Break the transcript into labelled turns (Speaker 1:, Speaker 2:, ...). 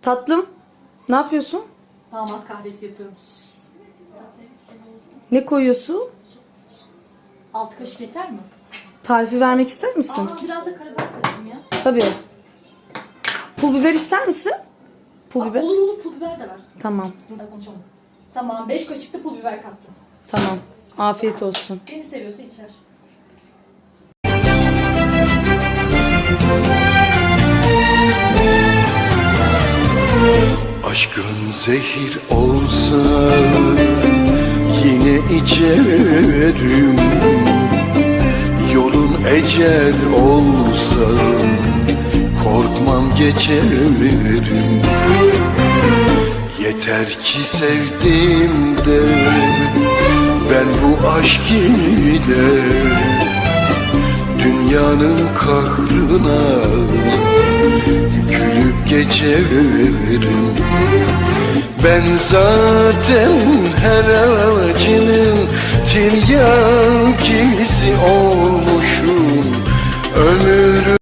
Speaker 1: Tatlım, ne yapıyorsun?
Speaker 2: Damat kahvesi yapıyorum.
Speaker 1: Ne koyuyorsun?
Speaker 2: 6 kaşık yeter mi?
Speaker 1: Tarifi vermek ister misin?
Speaker 2: Biraz da karabiber katayım ya.
Speaker 1: Tabii. Pul biber ister misin? Pul biber.
Speaker 2: Olur pul biber de ver.
Speaker 1: Tamam.
Speaker 2: Burada konuşalım. Tamam 5 kaşık da pul biber kattım.
Speaker 1: Tamam. Afiyet olsun.
Speaker 2: Beni seviyorsa içer.
Speaker 3: Aşkın zehir olsa yine içerim. Yolun ecel olsa korkmam geçerim. Yeter ki sevdim de ben bu aşk ile dünyanın kahrına gülüp geçerim. Ben zaten her acının tiryakisi ol